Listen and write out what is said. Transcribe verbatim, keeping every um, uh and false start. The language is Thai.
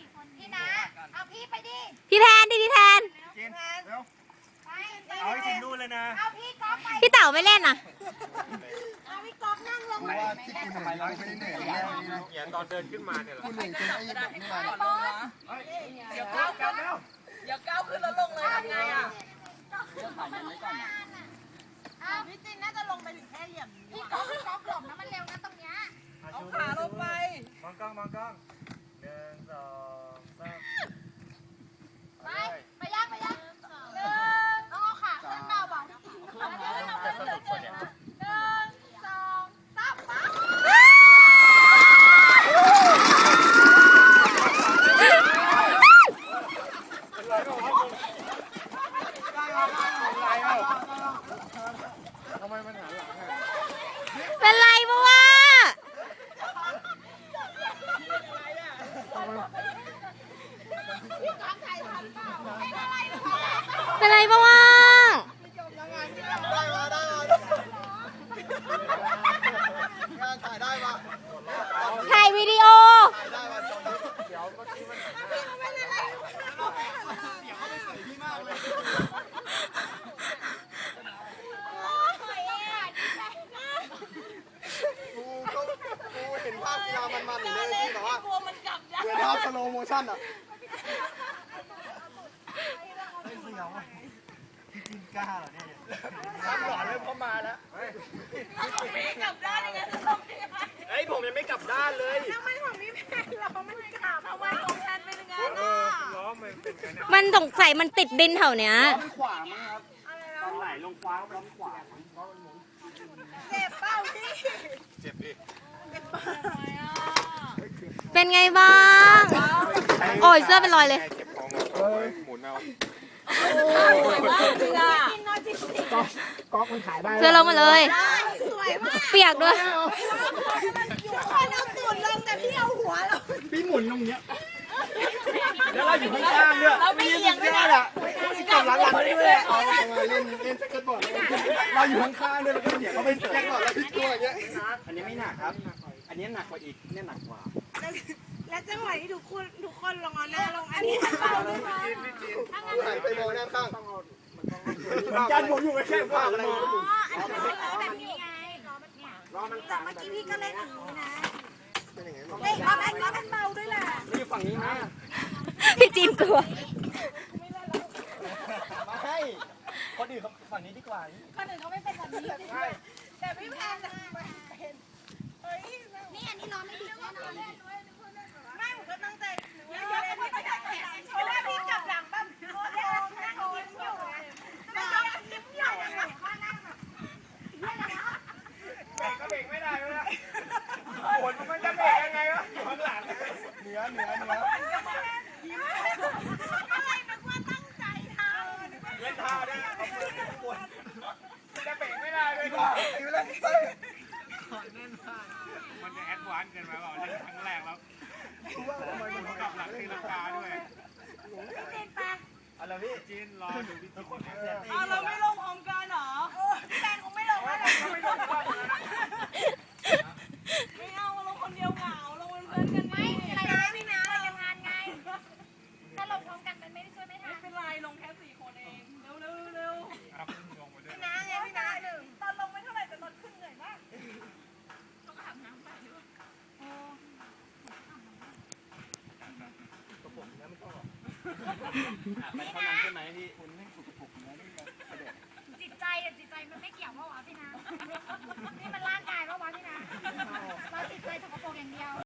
พี่นะเอาพี่ไปดิพี่แทนดิพี่แทนจินเร็วเอาให้ถึงนู่นเลยนะเอาพี่ก๊อฟไปพี่เต๋าไม่เล่นอ่ะเอาพี่ก๊อฟนั่งลงเพราะว่าที่คุณเหนื่อยเราไม่ได้เหนื่อยแน่นี่นะเขียนตอนเดินขึ้นมาเนี่ยเหรอคุณเหนื่อยจนไอ้แบบนี้มาบอลเดี๋ยวก้าวกันแล้วอย่าก้าวขึ้นแล้วลงเลยทำไงอ่ะเอาพี่จินน่าจะลงไปถึงแค่เหลี่ยมพี่ก๊อฟพี่ก๊อฟหลบนะมันเร็วนะตรงเนี้ยเอาขาลงไปมองกล้องมองกล้องหนึ่งสองสามไปไปย่างไปย่างหนึ่งเอาขาขึ้นเบาบ่อยเอาขึ้นเอาขึ้นเอาขึ้นหนึ่งสองสามไปทำไมมันหันหลังอ่ะเป็นไรปะวะเป็นไรปะวะได้มาได้มางานถ่ายได้มาถ่ายวิดีโอถ่ายได้มาตรงนี้เดี๋ยวเมื่อกี้มันหันหน้าเสียงเขาไปใส่พี่มากเลยกูก็กูเห็นภาพกีฬามันๆเลยที่แบบว่ากลัวมันกลับได้เหมือนภาพสโลโมชั่นอ่ะไม่เสียวพี่จินกล้าเหรอเนี่ยรับหลอนเลยพอมาแล้วไม่กลับด้านยังไงจะต้องยังไงเฮ้ยผมยังไม่กลับด้านเลยทำไมของพี่แพนเราไม่กลับทำไมของแพนเป็นยังไงเอน่ะอล้อมันเป็นกันเนี่ยมันสงสัยมันติดดินแถวเนี้ยมันขวามั้งครับตอนไหลลงฟ้าล้อมขวาเจ็บเป้าพี่เจ็บดิเป็นไงบ้าง โอ้ยเสื้อเป็นรอยเลยเจ็บคอหมดหมุนเอาสวยมากจริงอ่ะก๊อกมันขายได้เสื้อลงมาเลยสวยมากเปียกด้วยคนเอาตูดลงแต่พี่เอาหัวเราพี่หมุนตรงเนี้ยแล้วเราอยู่ข้างๆเนี่ยเราไม่เอียงด้วยนะอ่ะกำลังหลังด้วยเอามาเล่นเล่นสเก็ตบอร์ดเราอยู่ข้างๆด้วยแล้วก็เดี๋ยวเขาไปสเก็ตบอร์ดแล้วพี่ตัวอย่างเงี้ยอันนี้ไม่หนักครับ อันนี้หนักกว่าอีกเนี่ยหนักกว่าและจังหวะที่ทุกคนทุกคนลงเอาหน้าลงอันนี้เป้าด้วยมั้ยกูหันไปมองด้านข้างยันผมอยู่แค่ขวาเลยอันนี้ล้อแบบนี้ไงล้อแบบเนี้ยล้อมันต่างเมื่อกี้พี่ก็เล่นอย่างนี้นะเป็นยังไงเฮ้ยเอาแบงค์ล้อมันเบาด้วยแหละไม่อยู่ฝั่งนี้นะพี่จินกลัวมาให้คนอื่นฝั่งนี้ดีกว่าคนอื่นเขาไม่เป็นแบบนี้ใช่แต่พี่แพนเป็นเฮ้ยนี่อันนี้ล้อไม่ดีแน่นอนไม่ผมก็ตั้งใจเยอะๆเลยพี่ก็แข่งโชว์แล้วพี่จับหลังบ้างโชว์แล้วนั่งยิ้มอยู่แล้วก็ยิ้มอยู่เบรกก็เบรกไม่ได้เลยนะผลมันจะเบรกยังไงวะอยู่ข้างหลังเหนือเหนือเหนืออะไรนึกว่าตั้งใจทำเล่นท่าด้วยเอามือปวดจะเบรกไม่ได้เลยอยู่เลยมันจะแอดวานซ์เกินไปเปล่าเล่นครั้งแรกแล้วกลับหลังตีลังกาด้วยอะไรพี่จีนรอดูพี่จีนเอาเราไม่ลงพร้อมกันเหรอแฟนคงไม่ลงแล้วไม่ลงก็ไม่เอาลงคนเดียวเหงาลงเป็นเพื่อนกันไหมอะไรนะพี่นะเราทำงานไง ถ้าลงพร้อมกันมันไม่ได้ช่วยไม่ทัไม่นเป็นไรลงแค่สี่คนเองเร็วเร็วเร็วเอาขึ้นลงมาด้วยน้าไงพี่น้าหนึ่งตอนลงไม่เท่าไหร่แต่ตอนขึ้นเหนื่อยมากต้องอาบน้ำไปด้วยมันเท่านั้นใช่ไหมพี่จิตใจอะจิตใจมันไม่เกี่ยวว่าวะพี่นะ นี่มันร่างกายว่าวะพี่นะ เราจิตใจสกปรกอย่างเดียว